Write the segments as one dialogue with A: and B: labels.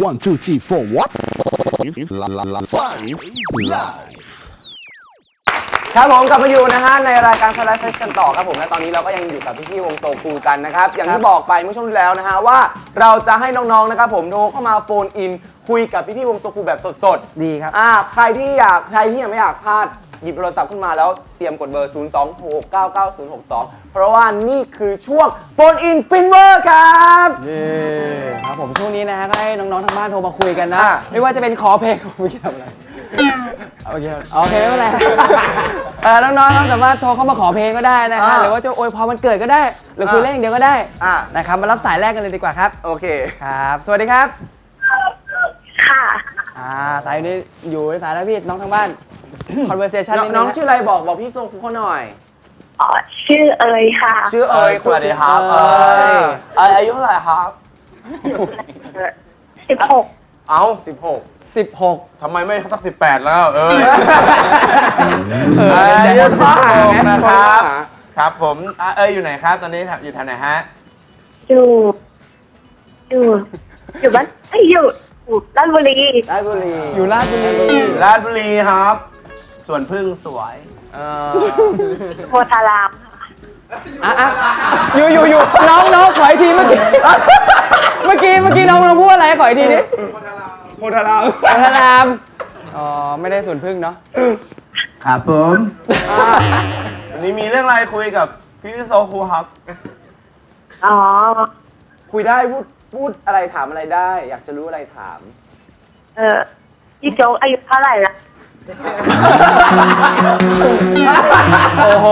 A: 1 2 3 4 what Five Live
B: ครับผมกลับมาอยู่นะฮะในรายการสไลด์เซสกันต่อครับผมและตอนนี้เราก็ยังอยู่กับพี่ๆวงโตคูกันนะครับอย่างที่บอกไปเมื่อช่วงที่แล้วนะฮะว่าเราจะให้น้องๆนะครับผมโทรเข้ามาโฟนอินคุยกับพี่ๆวงโตคูแบบสดๆ
C: ดีครับ
B: ใครที่ยังไม่อยากพลาดหยิบโทรศัพท์ขึ้นมาแล้วเตรียมกดเบอร์ 026999062 เพราะว่านี่คือช่วงโฟนอินฟินเวอร์ครับ
C: ครับผมช่วงนี้นะฮะก็ให้น้องๆทางบ้านโทรมาคุยกันนะไม่ว่าจะเป็นขอเพลงไม่ทำอะไรโอเคไม่เป็นไรน้องๆสามารถโทรเข้ามาขอเพลงก็ได้นะฮะหรือว่าจะอวยพรวันเกิดก็ได้หรือคุยเล่นอย่างเดียวก็ได้นะครับมารับสายแรกกันเลยดีกว่าครับ
B: โอเค
C: ครับสวัสดีครับ
D: ค่ะ
C: สายนี้อยู่ในสายแล้วพี่น้องทางบ้าน conversation
B: น้องชื่ออะไรบอกพี่โซคุเขาหน่อย
D: ชื่อเอ๋ยค่ะ
B: ชื่อเอ๋ย
C: สวัสดีครับ
B: อายุเท่าไหร่ครับ
D: 16
B: เอา16
C: ท
E: ำไมไม่สัก18แล้ว
B: เดี๋ยว
E: นะครับครับผมอยู่ไหนครับตอนนี้อยู่แถวไหนฮะ
D: อยู่บ้านอยู่ราชบุรี
C: อยู่ราชบุรี
E: ครับส่วนพึ่งสวย
D: โพธาราม
C: อยู่น้องขออีกทีเมื่อกี้น้องพูดอะไรขออีกทีดิ
B: โพธาร
C: ามไม่ได้ส่วนพึ่งเนาะ
E: ครับผมวันนี้มีเรื่องอะไรคุยกับพี่โซคูครับ
B: คุยได้พูดอะไรถามอะไรได้อยากจะรู้อะไรถาม
D: พี่โจ๊กอายุเท่าไหร่ละ
C: โอ้โห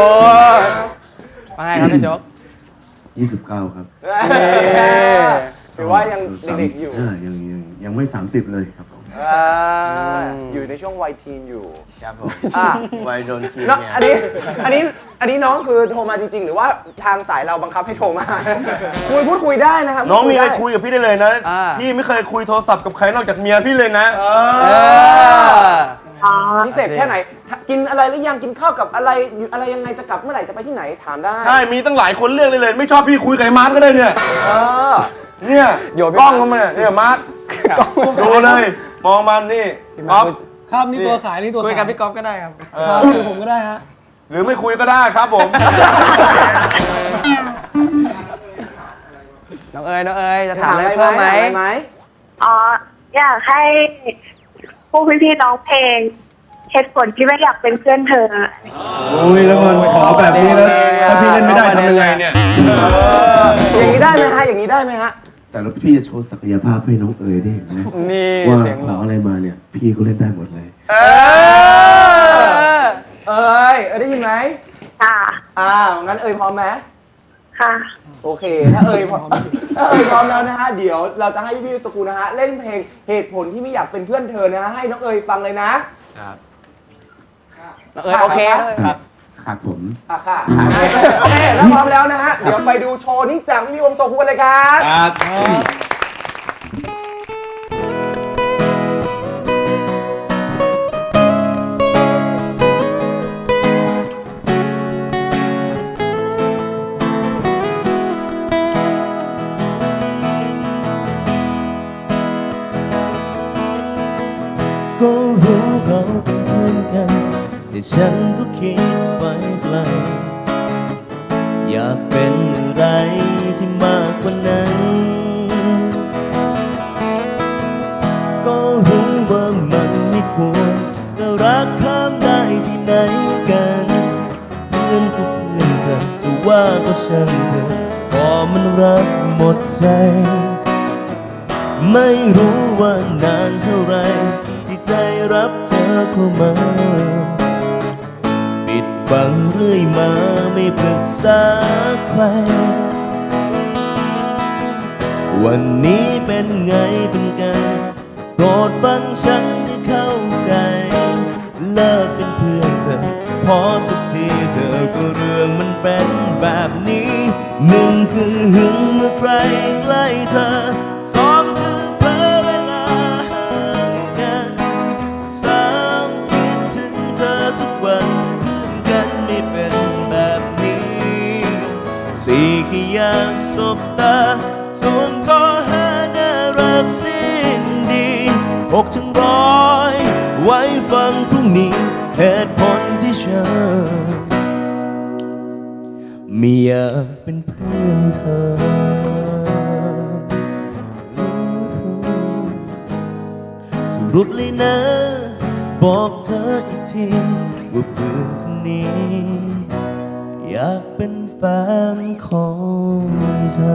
C: ว่าไงครับพี่โจ๊ก
F: 29 ครับ
B: ถือว่ายังเด็กๆอยู่
F: ยังไม่30เลยครับผม
B: อยู่ในช่วงวัยทีนอยู่
E: ครับผมวัยโดนทีน
B: เนี่ยอันนี้น้องคือโทรมาจริงๆหรือว่าทางสายเราบังคับให้โทรมาพูดคุยได้นะครับ
E: น้องมีอะไรคุยกับพี่ได้เลยนะพี่ไม่เคยคุยโทรศัพท์กับใครนอกจากเมียพี่เลยนะ
B: พิเศษแค่ไหนกินอะไรหรือยังกินข้าวกับอะไรอยู่อะไรยังไงจะกลับเมื่อไหร่จะไปที่ไหนถามได้
E: ใช่มีตั้งหลายคนเลือกเลยไม่ชอบพี่คุยกับไอ้มาร์ทก็ได้เนี่ยเนี่ยกล้องมาเนี่ยมาร์ทดูเลยมองมันนี่ก๊อฟ
C: ครับนี่ตัวขายนี่ตัวคุยกับพี่ก๊อฟก็ได้ครับหรือผมก็ได้ฮะ
E: หรือไม่คุยก็ได้ครับผม
C: น้องเอ๋ยจะถามอะไรเพิ่มไหม
D: อยากให้พวกพี่ๆน้องเพลงเหตุผลที่ไม่อยากเป็นเพื่อนเธอ
E: โอ้ยแล้วมันขอแบบนี้แล้วถ้าพี่เล่นไม่ได้ทำยังไงเนี่ย
B: อย่างนี้ได้ไหมฮะ
F: แต่แล้วพี่จะโชว์ศักยภาพให้น้องเอ๋ยได้เห็นไหมว่าขออะไรมาเนี่ยพี่ก็เล่นได้หมดเลย
B: ได้ยินไหมงั้นพร้อมไหม
D: ค่ะ
B: โอเคถ้าพร้อมแล้วนะฮะเดี๋ยวเราจะให้พี่ๆสกูนะฮะเล่นเพลงเหตุผลที่ไม่อยากเป็นเพื่อนเธอนะให้น้องฟังเลยนะครับ
C: น้องโอเค
F: ครับผม
B: ค่ะโอเคแล้วพร้อมแล้วนะฮะเดี๋ยวไปดูโชว์นี้จากพี่วงโตคูกันเลยครับ
G: ก็รู้เราเป็นเพื่อนกันแต่ฉันก็คิดไปไกลอยากเป็นอะไรที่มากกว่านั้นก็รู้ว่ามันไม่ควรแต่รักข้ามได้ที่ไหนกันเพื่อนก็เพื่อนเธอจะว่าก็ช่างเธอพอมันรักหมดใจไม่รู้ว่านานเท่าไรที่ใจรับเธอเข้ามาปิดบังเรื่อยมาไม่ปรึกษาใครวันนี้เป็นไงเป็นกันโปรดฟังฉันให้เข้าใจเลิกเป็นเพื่อนเธอพอสักทีเธอก็เรื่องมันเป็นแบบนี้หนึ่งคือหึงเมื่อใครใกล้เธอสองคือเพ้อเวลาห่างกันสามคิดถึงเธอทุกวันเพื่อนกันไม่เป็นแบบนี้สี่แค่อยากสบตาส่วนข้อห้าน่ารักสิ 6 ถึง 100 ไว้ฟังพรุ่งนี้เหตุผลที่ฉันไม่อยากเป็นเพื่อนเธอสรุปเลยนะบอกเธออีกทีว่าเพื่อนคนนี้อยากเป็นแฟนของเธอ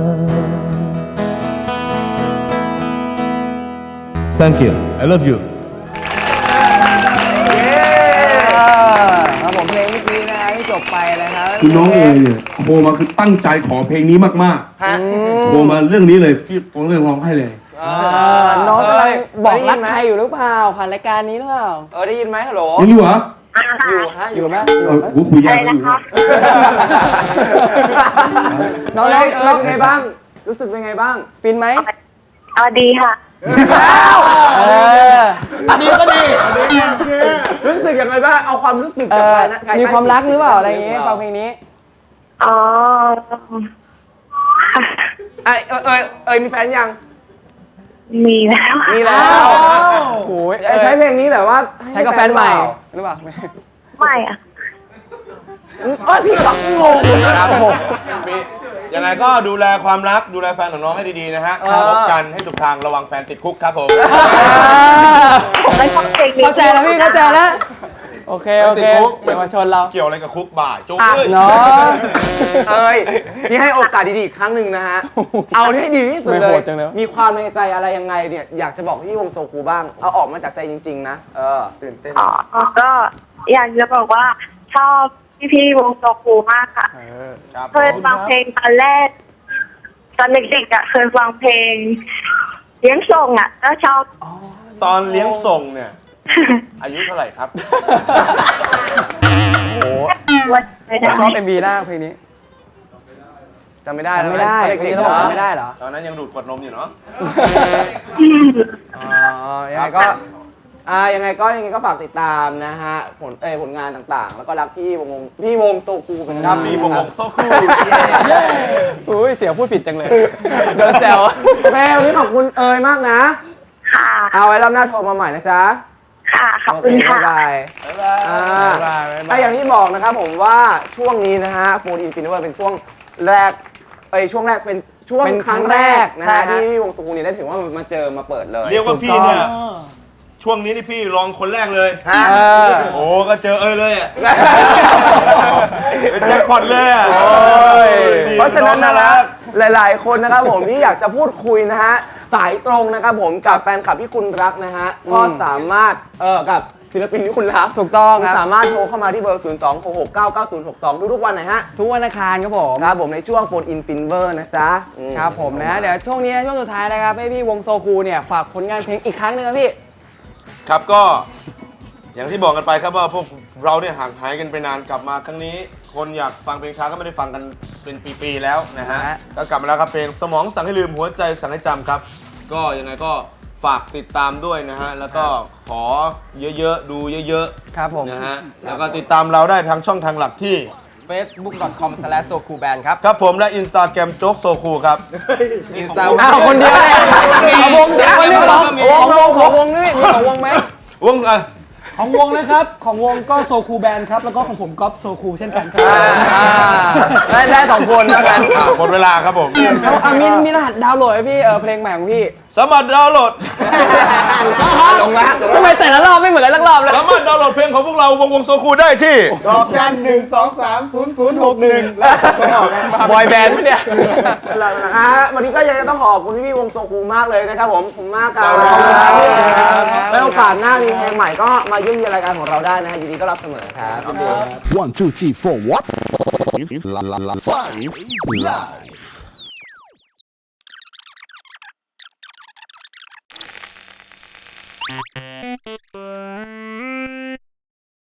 G: Thank you I love you
C: ครับผมเพลงเมื่อกี้นะฮะที่จบไปนะครับ
F: คือน้องเอ๋เนี่ยโทรมาคือตั้งใจขอเพลงนี้มากๆโทรมาเรื่องนี้เลยพี่ผมเลยร้องให้เลย
C: น้องกำลังบอกรักใครอยู่หรือเปล่าผ่านรายการนี้หรือเปล่า
B: ได้ยินไหมฮัลโหล
F: ยังอยู่เหรอ
B: อยู่ฮะ
C: อยู่ไหม
F: กูคุย
D: อะ
F: ยาก
D: ไร
F: กัน
D: นะ
F: อยู่
D: คะ
C: น้อง
B: เป็นไงบ้าง รู้สึกเป็นไงบ้าง
C: ฟินไหม
D: ดีค่ะ
C: อันนี้ก็ดี
B: รู้สึกยังไงบ้าง เอาความรู้สึก
C: เอ
B: จาก
C: อ
B: ใครนะใคร
C: มีความรักหรือเปล่าอะไรอย่างเงี้ยฟังเพลงนี้
D: อ๋อ
B: มีแฟนยัง
D: มีแล้ว
B: มีแล้ว
C: โอ้ย
B: ใช้เพลงนี้แบบว่า
C: ใช้กับแฟนใหม่หรือเปล่า
D: ไม่อะ
B: พี่ก็งงนะครับผม
E: ยังไงก็ดูแลความรักดูแลแฟนของน้องให้ดีๆนะฮะพบกันให้ถูกทางระวังแฟนติดคุกครับผม
D: ไม่ชอบเพลงนี้
C: เข้าใจแล้วพี่เข้าใจแล้ว โอเคโอเคเยาวชนเรา
E: เกี่ยวอะไรกับคุกบ่าจุ๊บ
C: เนาะ
B: นี่ให้โอกาสดีๆอีกครั้งหนึ่งนะฮะ เอาให้ดีที่สุด
C: ไม่
B: เล
C: โห
B: ย
C: ดจังเลย
B: มีความในใจอะไรยังไงเนี่ย อยากจะบอกที่วงโซคูบ้าง เอาออกมาจากใจจริงๆนะ ตื่นเต้น
D: อ๋อ ก็อยากจะบอกว่าชอบพี่ๆวงโซคูมากค่ะ
E: ครับ
D: เคยฟังเพลงตอนแรก ตอนเด็กๆอ่ะเคยฟังเพลงเลี้ยงส่งอ่ะก็ชอบ
E: ตอนเลี้ยงส่งเนี่ย อายุเท่าไหร่ครับ
D: วันไม่ได้
C: ชอบ MV หน้าเพลงนี้
B: จำไม่ได้
C: จำไม่ได้
B: เด็
C: เพลง
B: ก
C: นี้
B: ๆ
C: เรา
B: เหรอ
C: บอกจำไม่ได้เหรอ
E: ตอนนั้นยังดูดขวดนมอยู่เนาะ
B: ยังไงก็ยังไงก็ฝากติดตามนะฮะผลงานต่างๆ แล้วก็รักพี่วงโซคูเป็น
E: ครับมีวงโซคู
C: อุ้ยเสียงพูดผิดจังเลยโดนแซว
B: แม่วันนี้ขอบคุณเอ๋ยมากนะ
D: ค่ะ
B: เอาไว้รอบหน้าโทรมาใหม่นะจ๊ะ
D: ค่ะ ขอบคุณค่ะ
B: บ๊ายบายถ้าอย่างที่บอกนะครับผมว่าช่วงนี้นะฮะโฟนอินฟินิเวอร์เป็นช่วงแรกช่วงแรกเป็นช่วง
C: เป็น
B: ครั้งแรกนะ
C: ใช่
B: ฮะ
C: ฮะ
B: ที่วงโซคูเนี่ยได้ถือว่ามาเจอมาเปิดเลย
E: เรียกว่าพี่เนี่ยช่วงนี้นี่พี่รองคนแรกเลย
B: ฮะ
E: โอ้ก็เจอเลยอ่ะเป็นแจ็คพอตเลยอ่ะ
B: เพราะฉะนั้นนะครับหลายๆคนนะครับผมที่อยากจะพูดคุยนะฮะสายตรงนะครับผมกับแฟนคลับที่คุณรักนะฮะก็สามารถกับศิลปินที่คุณรัก
C: ถูกต้อง
B: คุณ
C: ครับ
B: สามารถโทรเข้ามาที่เบอร์ 026699062 ทุกๆวันนะฮะ
C: ทุกวันอังคารครับผม
B: ครับผมในช่วงโฟนอินฟินเวอร์นะจ๊ะ
C: ครับผมนะเดี๋ยวช่วงนี้ช่วงสุดท้ายนะครับให้พี่วงโซคูเนี่ยฝากผลงานเพลงอีกครั้งหนึงครับพี่
E: ครับก็อย่างที่บอกกันไปครับว่าพวกเราเนี่ยห่างหายกันไปนานกลับมาครั้งนี้ คนอยากฟังเพลงช้าก็ไม่ได้ฟังกันเป็นปีๆแล้วนะฮะ
C: ฮะ
E: ก็กลับมาแล้วครับเพลงสมองสั่งให้ลืมหัวใจสั่งให้จำครับ ก็ยังไงก็ฝากติดตามด้วยนะฮะแล้วก็ขอเยอะๆดูเยอะ
C: ครับผม
E: ๆนะฮะแล้วก็ติดตามเราได้ทางช่องทางหลักที่
C: facebook.com/sokuband ครับ
E: ครับผมและ Instagram โจ๊กโซคูครับ
C: อ้าวคนเดียวเลยเอาวงเดียวคนนึงของวงนี่มีของวงไหม
E: วง
A: ของวงนะครับ ของวงก็โซคูแบนครับ แล้วก็ของผมก็โซคูเช่นกันครับ
C: ได้สองคนแล้วกัน
E: หมดเวลาครับผม
C: มีรหัสดาวน์โหลดไหมพี่เพลงใหม่ของพี่
E: สามารถดาวน์โหลด
B: ลงแล้ว
C: ทำไมแต่ละรอบไม่เหมือนกันสักรอบเลย
E: สามารถดาวน์โหลดเพลงของพวกเราวงโซคูได้ที่
A: ดอกจัน1230061แล้ว
C: บอยแบนด์ไหมเนี่ย
B: นะฮะวันนี้ก็ยังจะต้องขอบคุณพี่วงโซคูมากเลยนะครับผมขอบคุณมากครับ
E: ขอบคุณครับ
B: แล้วโอกาสหน้ามีเพลงใหม่ก็มาเยี่ยมเยียนรายการของเราได้นะฮะยินดีต้อนรับเสมอครับ
A: 1, 2, 3, 4, what? La la la 5 live.